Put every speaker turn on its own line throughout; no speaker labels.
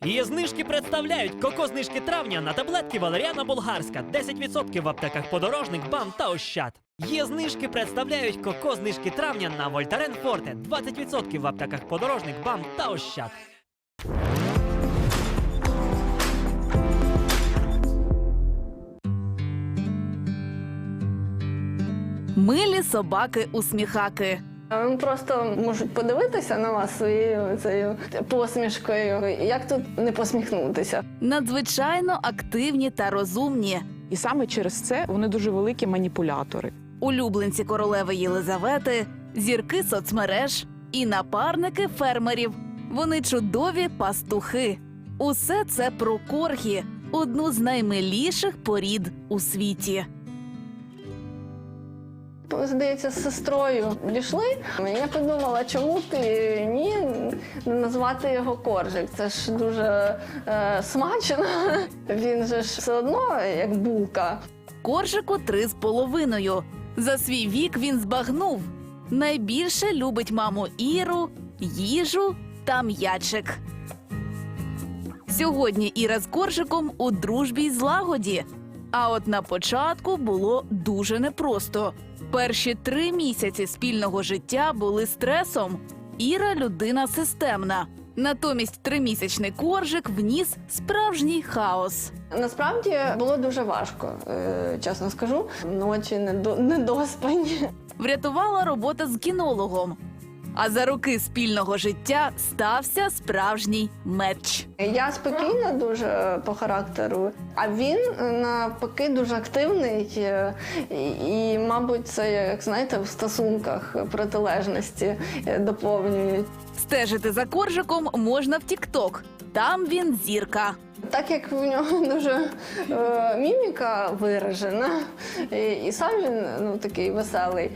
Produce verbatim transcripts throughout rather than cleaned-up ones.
Її знижки представляють коко-знижки травня на таблетки Валеріана Болгарська. десять відсотків в аптеках Подорожник, БАМ та Ощад. Є знижки представляють коко-знижки травня на Вольтарен Форте. двадцять відсотків в аптеках Подорожник, БАМ та Ощад.
Милі собаки-усміхаки.
Вони просто можуть подивитися на вас своєю цією посмішкою. Як тут не посміхнутися?
Надзвичайно активні та розумні.
І саме через це вони дуже великі маніпулятори.
Улюбленці королеви Єлизавети, зірки соцмереж і напарники фермерів. Вони чудові пастухи. Усе це про коргі – одну з наймиліших порід у світі.
Здається, з сестрою дійшли. Я подумала, чому ти ні не назвати його коржик? Це ж дуже е, смачно. Він же ж все одно як булка.
Коржику три з половиною. За свій вік він збагнув. Найбільше любить маму Іру, їжу та м'ячик. Сьогодні Іра з коржиком у дружбі й злагоді. А от на початку було дуже непросто. Перші три місяці спільного життя були стресом. Іра – людина системна. Натомість тримісячний коржик вніс справжній хаос.
Насправді було дуже важко, е, чесно скажу. Ночі недо- недоспані.
Врятувала робота з кінологом. А за роки спільного життя стався справжній меч.
Я спокійна дуже по характеру, а він навпаки дуже активний е, і, і, мабуть, це, як знаєте, в стосунках протилежності е, доповнюють.
Стежити за коржиком можна в тік-ток. Там він зірка.
Так як в нього дуже е, міміка виражена, і, і сам він ну, такий веселий.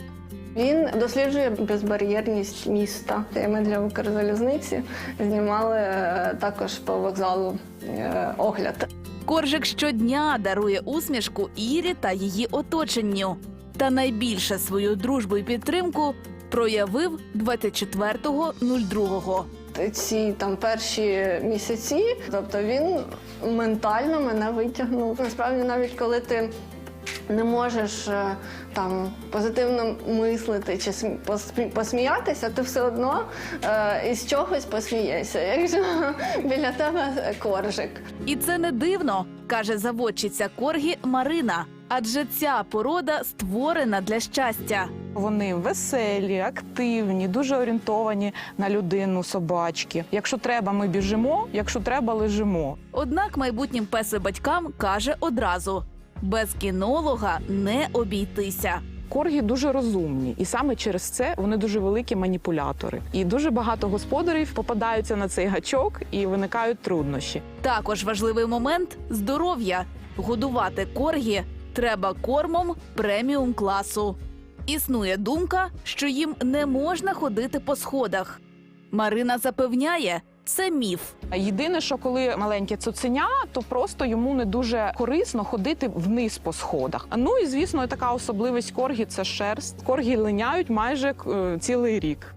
Він досліджує безбар'єрність міста. Ми для Укрзалізниці знімали е, також по вокзалу е, огляд.
Коржик щодня дарує усмішку Ірі та її оточенню. Та найбільше свою дружбу і підтримку проявив двадцять четвертого другого.
Ці там перші місяці, тобто він ментально мене витягнув. Насправді, навіть коли ти не можеш е, там позитивно мислити чи смі- посмі- посміятися, ти все одно е, із чогось посмієшся, якщо біля тебе коржик.
І це не дивно, каже заводчиця коргі Марина. Адже ця порода створена для щастя.
Вони веселі, активні, дуже орієнтовані на людину собачки. Якщо треба, ми біжимо, якщо треба, лежимо.
Однак майбутнім песо-батькам каже одразу – без кінолога не обійтися.
Коргі дуже розумні, і саме через це вони дуже великі маніпулятори. І дуже багато господарів попадаються на цей гачок і виникають труднощі.
Також важливий момент – здоров'я. Годувати коргі треба кормом преміум-класу. Існує думка, що їм не можна ходити по сходах. Марина запевняє – це міф.
Єдине, що коли маленьке цуценя, то просто йому не дуже корисно ходити вниз по сходах. Ну і, звісно, така особливість коргі – це шерсть. Коргі линяють майже е, цілий рік.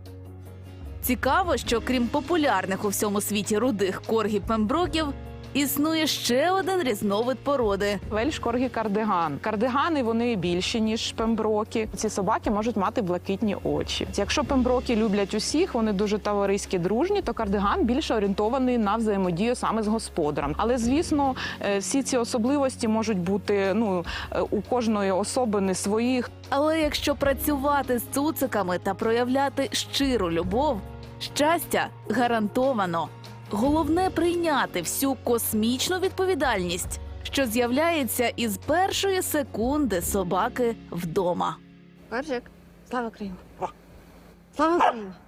Цікаво, що крім популярних у всьому світі рудих коргі-пемброків, існує ще один різновид породи.
Вельш коргі кардиган. Кардигани, вони більші, ніж пемброки. Ці собаки можуть мати блакитні очі. Якщо пемброки люблять усіх, вони дуже товариські, дружні, то кардиган більше орієнтований на взаємодію саме з господарем. Але, звісно, е, всі ці особливості можуть бути ну, е, у кожної особини своїх.
Але якщо працювати з цуциками та проявляти щиру любов, щастя гарантовано. Головне – прийняти всю космічну відповідальність, що з'являється із першої секунди собаки вдома.
Коржик, слава Україні! Слава Україні!